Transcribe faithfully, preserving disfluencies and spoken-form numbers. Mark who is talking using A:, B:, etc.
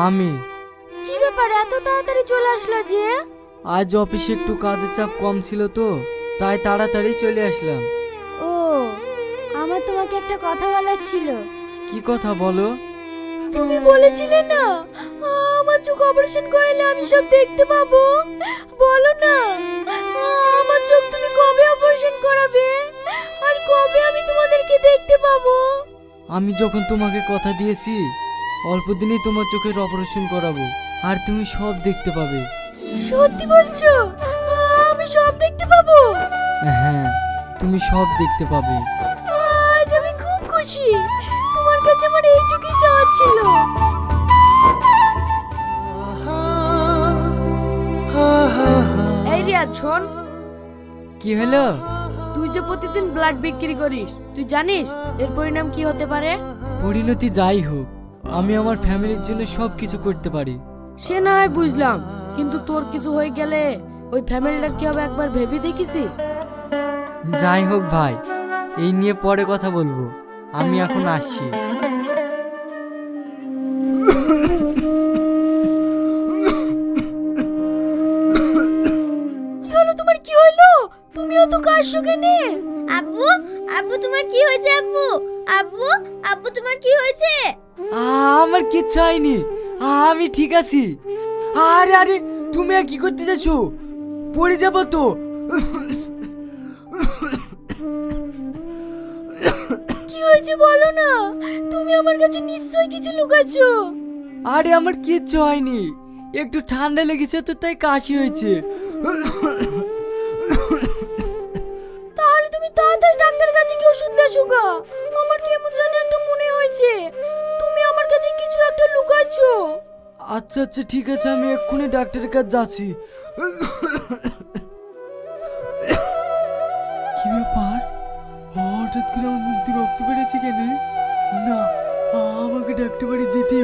A: আমি।
B: কি ব্যাপার এত তাড়াতাড়ি চলে আসলো যে?
A: আজ অফিসে একটু কাজের চাপ কম ছিল তো, তাই তাড়াতাড়ি চলে আসলাম।
B: ও, আমার তোমাকে একটা কথা বলার ছিল।
A: কি কথা বলো?
B: তুমি বলেছিলে না আমার চোখ অপারেশন করালে আমি সব দেখতে পাবো, বলো না আমার চোখ তুমি কবে অপারেশন করাবে আর কবে আমি তোমাদেরকে দেখতে পাবো?
A: আমি যখন তোমাকে কথা দিয়েছি অল্প দিনেই তোমার চোখের অপারেশন করাবো, আর তুমি সব দেখতে পাবে।
B: সত্যি বলছো? আমি সব দেখতে পাবো?
A: হ্যাঁ, তুমি সব দেখতে পাবে।
B: আজ আমি খুব খুশি, তোমার কাছে আমার এইটুকুই চাওয়া ছিল।
C: এই রিয়াজ শোন,
A: কি হলো?
C: তুই যে প্রতিদিন ব্লাড বিক্রি করিস, তুই জানিস এর পরিণাম কি হতে পারে?
A: পরিণতি যাই হোক, আমি আমার ফ্যামিলির জন্য সব কিছু করতে পারি।
C: সে না হয় বুঝলাম, কিন্তু তোর কিছু হয়ে গেলে ওই ফ্যামিলিটার কি হবে একবার ভেবে দেখিস?
A: যাই হোক ভাই, এই নিয়ে পরে কথা বলবো, আমি এখন আসছি।
B: কি হলো তোমার, কি হলো? তুমি অত কাশছো কেন?
D: আব্বু, আব্বু তোমার কি হয়েছে? আব্বু, আব্বু, আব্বু তোমার কি হয়েছে?
A: আমার কিচ্ছু হয়নি, আমি ঠিক আছি। আরে আরে, তুমি আর কি করতে যাচ্ছ? পড়ে যাবো তো।
B: কি হয়েছে বলো না, তুমি আমার কাছে নিশ্চয়ই কিছু লুকাচ্ছো।
A: আরে আমার কিচ্ছু হয়নি, একটু ঠান্ডা লেগেছে তো তাই কাশি হয়েছে।
B: তাহলে তুমি তাড়াতাড়ি ডাক্তারের কাছে গিয়ে ওষুধ লেসো গা। আমার কেমন জানি একটা মনে হয়েছে তুমি আমার কাছে কিছু একটা লুকাচ্ছো।
A: আচ্ছা আচ্ছা ঠিক আছে, আমি এক্ষুনি ডাক্তারের কাছে যাচ্ছি। কি ব্যাপার, হঠাৎ করে আমার মুখ দিয়ে রক্ত বেড়েছে কেন? না, আমাকে ডাক্তার বাড়ি যেতে